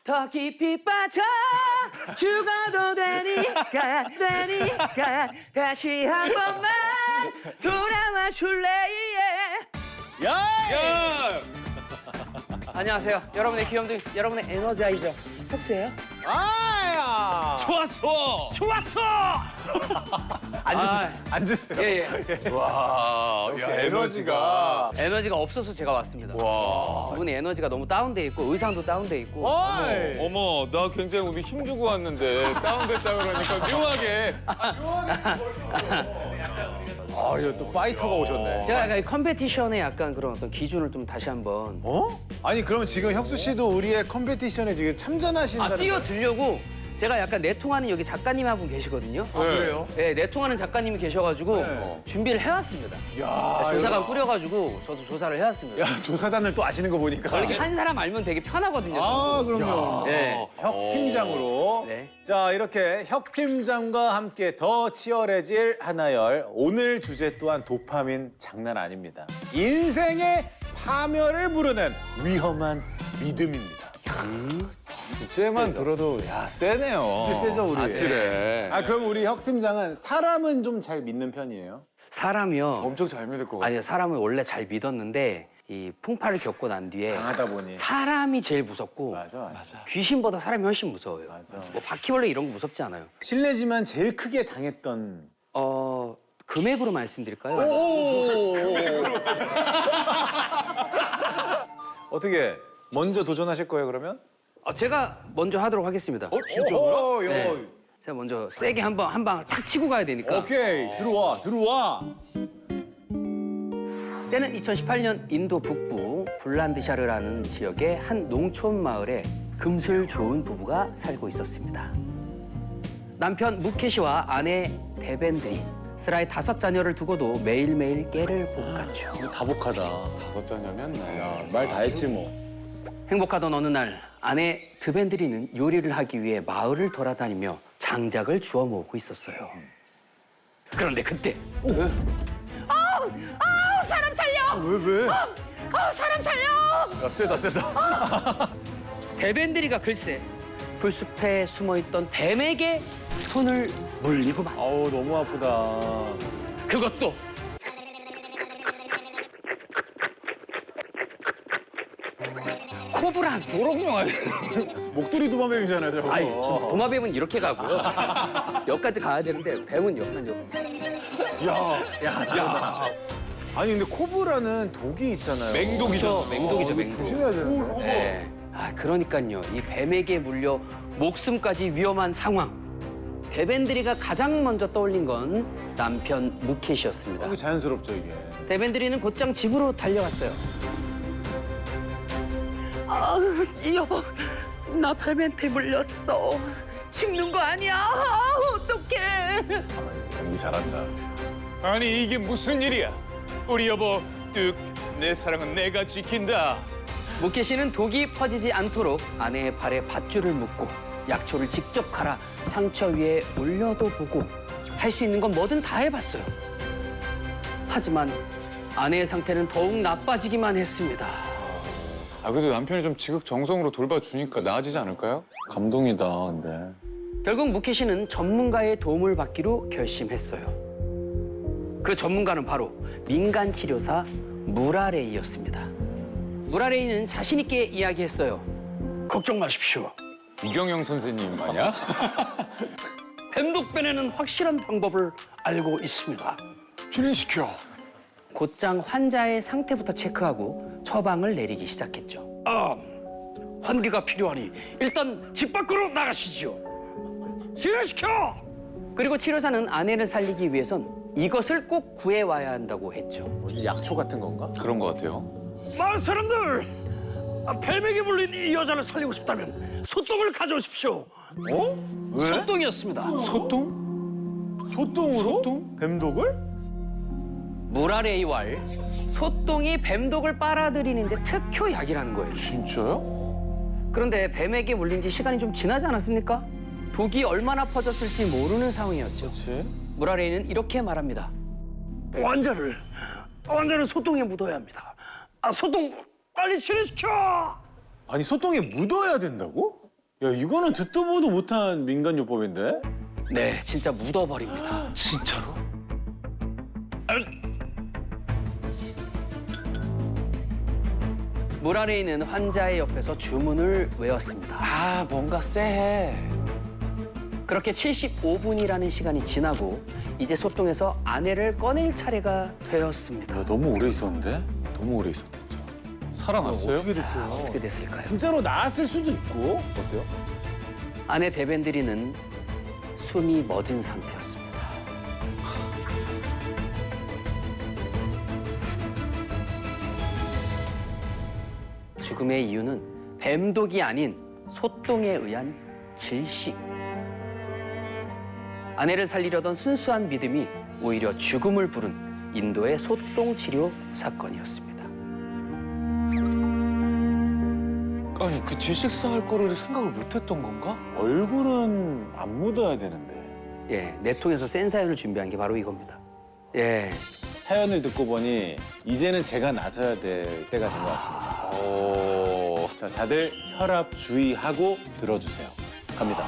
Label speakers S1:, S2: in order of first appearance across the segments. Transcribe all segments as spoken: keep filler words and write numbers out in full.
S1: 더 깊이 빠져 죽어도 되니까 되니까 다시 한 번만 돌아와 줄래.
S2: 야!
S3: 야!
S1: 안녕하세요. 여러분의 귀염둥이, 여러분의 에너자이저 혁수예요.
S2: 아야!
S3: 좋았어!
S1: 좋았어.
S2: 앉으세요. 앉으세요.
S1: 예예.
S3: 와,
S2: 역시 에너지가.
S1: 에너지가 없어서 제가 왔습니다.
S3: 와.
S1: 이분이 에너지가 너무 다운돼 있고 의상도 다운돼 있고.
S2: 어이!
S3: 어머, 나 굉장히 오늘 힘주고 왔는데 다운됐다 그러니까 묘하게.
S2: 아, 이거 또 파이터가 오셨네.
S1: 제가 약간 이 컴페티션의 약간 그런 어떤 기준을 좀 다시 한번
S2: 어? 아니, 그러면 지금 혁수 씨도 우리의 컴페티션에 지금 참전하신다는
S1: 아 뛰어들려고 제가 약간 내통하는 여기 작가님 한 분 계시거든요.
S2: 아, 그래요?
S1: 네, 내통하는 작가님이 계셔가지고
S2: 네.
S1: 준비를 해왔습니다.
S2: 야,
S1: 조사관 꾸려가지고 저도 조사를 해왔습니다.
S2: 야, 조사단을 또 아시는 거 보니까.
S1: 이렇게 한 사람 알면 되게 편하거든요.
S2: 아,
S1: 저도.
S2: 그럼요.
S1: 네.
S2: 혁 팀장으로.
S1: 네.
S2: 자, 이렇게 혁 팀장과 함께 더 치열해질 하나열. 오늘 주제 또한 도파민 장난 아닙니다. 인생의 파멸을 부르는 위험한 믿음입니다.
S3: 주제만 들어도 야 세네요.
S2: 진짜 세죠, 우리?
S3: 아찔해.
S2: 아, 그럼 우리 혁 팀장은 사람은 좀 잘 믿는 편이에요?
S1: 사람이요.
S3: 엄청 잘 믿을 것 같아.
S1: 아니요, 사람을 원래 잘 믿었는데 이 풍파를 겪고 난 뒤에
S2: 강하다 보니.
S1: 사람이 제일 무섭고
S2: 맞아, 맞아.
S1: 귀신보다 사람이 훨씬 무서워요.
S2: 맞아.
S1: 뭐 바퀴벌레 이런 거 무섭지 않아요.
S2: 실례지만 제일 크게 당했던.
S1: 어 금액으로 말씀드릴까요?
S2: 어떻게 먼저 도전하실 거예요, 그러면?
S1: 어, 제가 먼저 하도록 하겠습니다.
S3: 어 진짜로요?
S2: 오, 요.
S1: 네. 제가 먼저 세게 한번 한 방 탁 치고 가야 되니까.
S2: 오케이, 들어와, 들어와.
S1: 때는 이천십팔 년 인도 북부 불란드샤르라는 지역의 한 농촌 마을에 금슬 좋은 부부가 살고 있었습니다. 남편 무케시와 아내 데벤들이 스라의 다섯 자녀를 두고도 매일매일 깨를 볶았죠.
S2: 이거 다복하다.
S3: 다섯 잔이면 나.
S2: 야, 말 다 했지 뭐.
S1: 행복하던 어느 날 아내 드벤드리는 요리를 하기 위해 마을을 돌아다니며 장작을 주워 모으고 있었어요. 그런데 그때 아우! 아우! 사람 살려!
S2: 왜, 왜?
S1: 아우! 사람 살려!
S2: 야, 세다, 세다.
S1: 데벤드리가 글쎄 불숲에 숨어있던 뱀에게 손을 물리고만
S2: 아우, 너무 아프다.
S1: 그것도 코브라
S3: 도롱뇽 아니야?
S2: 목도리 도마뱀이잖아요, 저거.
S1: 아이 도마뱀은 이렇게 가고요. 여기까지 가야 되는데 뱀은 여기까지.
S2: 야, 야, 야. 아니, 근데 코브라는 독이 있잖아요.
S1: 맹독이죠. 맹독이죠,
S2: 어, 이거
S1: 맹독.
S2: 조심해야 되는데.
S1: 네. 아 그러니까요. 이 뱀에게 물려 목숨까지 위험한 상황. 데벤드리가 가장 먼저 떠올린 건 남편 무켓이었습니다.
S2: 되게 자연스럽죠, 이게.
S1: 데벤드리는 곧장 집으로 달려갔어요. 아, 여보, 나 뱀한테 물렸어. 죽는 거 아니야? 아, 어떡해.
S2: 연기 잘한다.
S3: 아니 이게 무슨 일이야? 우리 여보 뚝 내 사랑은 내가 지킨다.
S1: 무켓이는 독이 퍼지지 않도록 아내의 발에 밧줄을 묶고 약초를 직접 갈아 상처 위에 올려도 보고 할 수 있는 건 뭐든 다 해봤어요. 하지만 아내의 상태는 더욱 나빠지기만 했습니다.
S3: 아 그래도 남편이 좀 지극정성으로 돌봐주니까 나아지지 않을까요?
S2: 감동이다, 근데.
S1: 결국 무켓이는 전문가의 도움을 받기로 결심했어요. 그 전문가는 바로 민간 치료사 무라레이였습니다. 무라레이는 자신 있게 이야기했어요. 걱정 마십시오.
S3: 이경영 선생님 아니야?
S1: 뱀독 빼내는 확실한 방법을 알고 있습니다.
S3: 진행시켜.
S1: 곧장 환자의 상태부터 체크하고 처방을 내리기 시작했죠. 아, 환기가 필요하니 일단 집 밖으로 나가시죠. 진행시켜! 그리고 치료사는 아내를 살리기 위해선 이것을 꼭 구해와야 한다고 했죠.
S2: 뭐지, 약초 같은 건가?
S3: 그런 것 같아요.
S1: 마을 사람들! 아, 뱀에게 물린 이 여자를 살리고 싶다면 소똥을 가져오십시오.
S2: 어? 왜?
S1: 소똥이었습니다.
S3: 소똥?
S2: 소똥으로?
S3: 소똥?
S2: 뱀독을?
S1: 무라레이왈, 소똥이 뱀독을 빨아들이는데 특효약이라는 거예요.
S3: 진짜요?
S1: 그런데 뱀에게 물린 지 시간이 좀 지나지 않았습니까? 독이 얼마나 퍼졌을지 모르는 상황이었죠.
S2: 그렇지.
S1: 무라레이는 이렇게 말합니다. 환자를, 환자를 소똥에 묻어야 합니다. 아, 소똥 빨리 치료시켜!
S2: 아니, 소똥에 묻어야 된다고? 야, 이거는 듣도 보도 못한 민간요법인데?
S1: 네, 진짜 묻어버립니다.
S3: 진짜로?
S1: 물 안에 있는 환자의 옆에서 주문을 외웠습니다.
S3: 아, 뭔가 쎄해.
S1: 그렇게 칠십오 분이라는 시간이 지나고 이제 소똥에서 아내를 꺼낼 차례가 되었습니다.
S2: 야, 너무 오래 있었는데?
S3: 너무 오래 있었겠죠. 살아났어요?
S2: 어떻게 됐어요?
S1: 어떻게 됐을까요?
S2: 진짜로 나았을 수도 있고. 어때요?
S1: 아내 데벤드리는 숨이 멎은 상태였습니다. 죽음의 이유는 뱀독이 아닌 소똥에 의한 질식. 아내를 살리려던 순수한 믿음이 오히려 죽음을 부른 인도의 소똥 치료 사건이었습니다.
S3: 아니, 그 질식사 할 거를 생각을 못했던 건가?
S2: 얼굴은 안 묻어야 되는데.
S1: 예, 내통에서 센 사연을 준비한 게 바로 이겁니다. 예,
S2: 사연을 듣고 보니 이제는 제가 나서야 될 때가 된 것 같습니다.
S3: 오.
S2: 자, 다들 혈압 주의하고 들어주세요. 갑니다.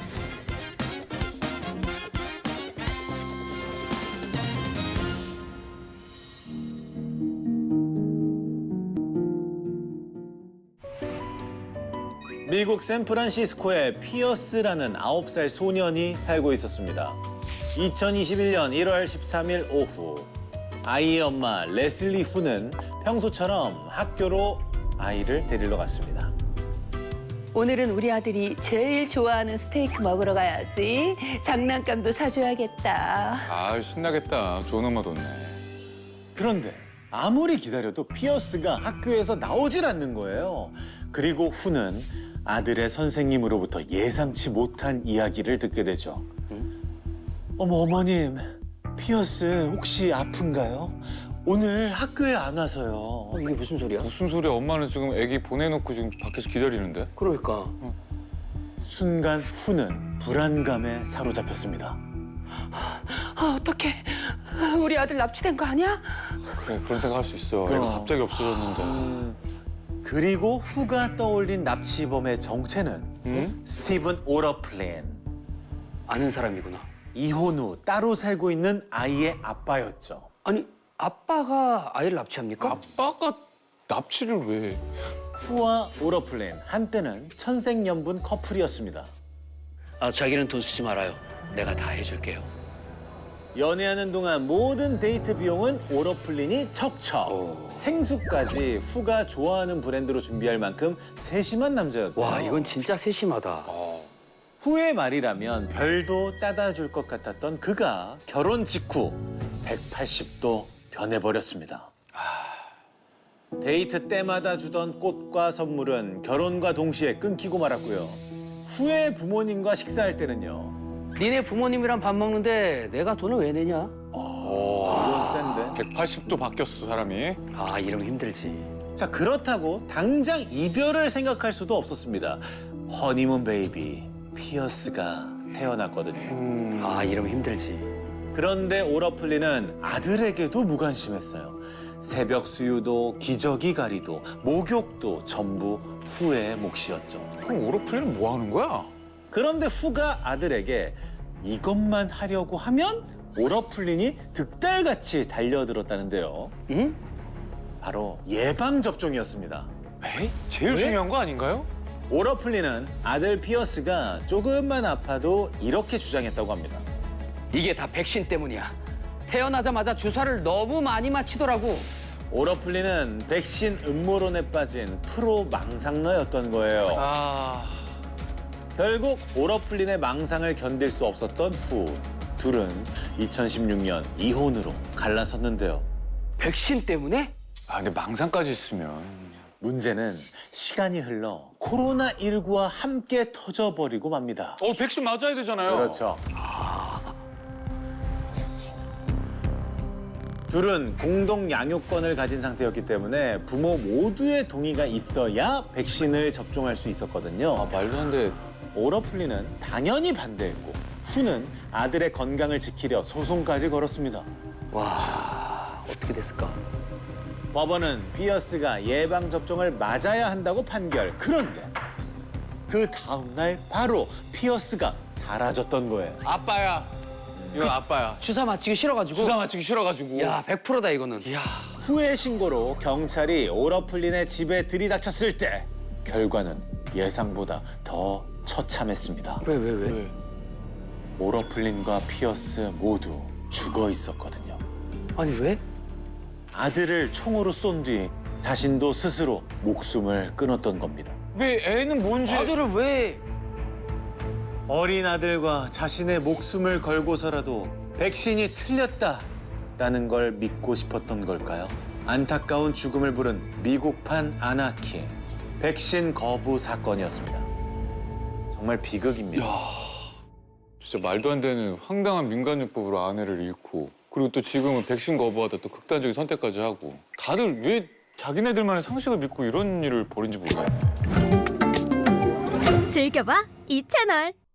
S2: 미국 샌프란시스코에 피어스라는 아홉 살 소년이 살고 있었습니다. 이천이십일 년 일월 십삼일 오후 아이의 엄마 레슬리 후는 평소처럼 학교로 아이를 데리러 갔습니다.
S4: 오늘은 우리 아들이 제일 좋아하는 스테이크 먹으러 가야지. 장난감도 사줘야겠다.
S3: 아, 신나겠다. 좋은 엄마 뒀네.
S2: 그런데 아무리 기다려도 피어스가 학교에서 나오질 않는 거예요. 그리고 후는 아들의 선생님으로부터 예상치 못한 이야기를 듣게 되죠. 어머, 어머님, 피어스 혹시 아픈가요? 오늘 학교에 안 와서요.
S1: 어, 이게 무슨 소리야?
S3: 무슨 소리야? 엄마는 지금 애기 보내놓고 지금 밖에서 기다리는데?
S1: 그러니까
S2: 순간 후는 불안감에 사로잡혔습니다.
S4: 아, 어떡해. 우리 아들 납치된 거 아니야?
S3: 그래, 그런 생각 할 수 있어.
S2: 그럼.
S3: 애가 갑자기 없어졌는데.
S2: 음, 그리고 후가 떠올린 납치범의 정체는
S3: 응?
S2: 스티븐 오러플랜.
S1: 아는 사람이구나.
S2: 이혼 후 따로 살고 있는 아이의 아빠였죠.
S1: 아니, 아빠가 아이를 납치합니까?
S3: 아빠가 납치를 왜?
S2: 후와 오러플랜 한때는 천생연분 커플이었습니다.
S1: 아, 자기는 돈 쓰지 말아요. 내가 다 해줄게요.
S2: 연애하는 동안 모든 데이트 비용은 오러플린이 척척.
S1: 오.
S2: 생수까지 후가 좋아하는 브랜드로 준비할 만큼 세심한 남자였대요.
S1: 와, 이건 진짜 세심하다.
S3: 어.
S2: 후의 말이라면 별도 따다 줄 것 같았던 그가 결혼 직후 백팔십 도 변해버렸습니다. 데이트 때마다 주던 꽃과 선물은 결혼과 동시에 끊기고 말았고요. 후의 부모님과 식사할 때는요.
S1: 니네 부모님이랑 밥 먹는데 내가 돈을 왜 내냐?
S2: 이건 센데.
S3: 백팔십 도 바뀌었어, 사람이.
S1: 아, 이러면 힘들지.
S2: 자, 그렇다고 당장 이별을 생각할 수도 없었습니다. 허니문 베이비 피어스가 태어났거든요.
S1: 아, 이러면 힘들지.
S2: 그런데 오러플리는 아들에게도 무관심했어요. 새벽 수유도 기저귀 가리도 목욕도 전부 후의 몫이었죠.
S3: 그럼 오로플리는 뭐 하는 거야?
S2: 그런데 후가 아들에게 이것만 하려고 하면 오러플린이 득달같이 달려들었다는데요.
S1: 응?
S2: 바로 예방접종이었습니다.
S3: 에이? 제일
S2: 왜?
S3: 중요한 거 아닌가요?
S2: 오러플린은 아들 피어스가 조금만 아파도 이렇게 주장했다고 합니다.
S1: 이게 다 백신 때문이야. 태어나자마자 주사를 너무 많이 맞히더라고.
S2: 오러플린은 백신 음모론에 빠진 프로 망상러였던 거예요.
S3: 아...
S2: 결국 오러플린의 망상을 견딜 수 없었던 후. 둘은 이천십육 년 이혼으로 갈라섰는데요.
S1: 백신 때문에?
S3: 아, 근데 망상까지 있으면...
S2: 문제는 시간이 흘러 코로나십구와 함께 터져버리고 맙니다.
S3: 어, 백신 맞아야 되잖아요.
S2: 그렇죠. 둘은 공동 양육권을 가진 상태였기 때문에 부모 모두의 동의가 있어야 백신을 접종할 수 있었거든요.
S3: 아, 말도 안 돼.
S2: 오러플리는 당연히 반대했고 후는 아들의 건강을 지키려 소송까지 걸었습니다.
S1: 와, 어떻게 됐을까?
S2: 법원은 피어스가 예방접종을 맞아야 한다고 판결. 그런데 그 다음날 바로 피어스가 사라졌던 거예요.
S3: 아빠야. 이건 아빠야.
S1: 주사 맞히기 싫어가지고.
S3: 주사 맞추기 싫어가지고.
S1: 야, 백 퍼센트다 이거는.
S3: 야.
S2: 후회 신고로 경찰이 오러플린의 집에 들이닥쳤을 때 결과는 예상보다 더 처참했습니다.
S1: 왜, 왜, 왜?
S3: 왜?
S2: 오러플린과 피어스 모두 죽어 있었거든요.
S1: 아니, 왜?
S2: 아들을 총으로 쏜 뒤 자신도 스스로 목숨을 끊었던 겁니다.
S3: 왜 애는 뭔지.
S1: 아들을 왜?
S2: 어린 아들과 자신의 목숨을 걸고서라도 백신이 틀렸다라는 걸 믿고 싶었던 걸까요? 안타까운 죽음을 부른 미국판 아나키 백신 거부 사건이었습니다. 정말 비극입니다.
S3: 진짜 말도 안 되는 황당한 민간요법으로 아내를 잃고 그리고 또 지금은 백신 거부하다 또 극단적인 선택까지 하고 다들 왜 자기네들만의 상식을 믿고 이런 일을 벌인지 모르겠네.
S5: 즐겨봐 이 채널.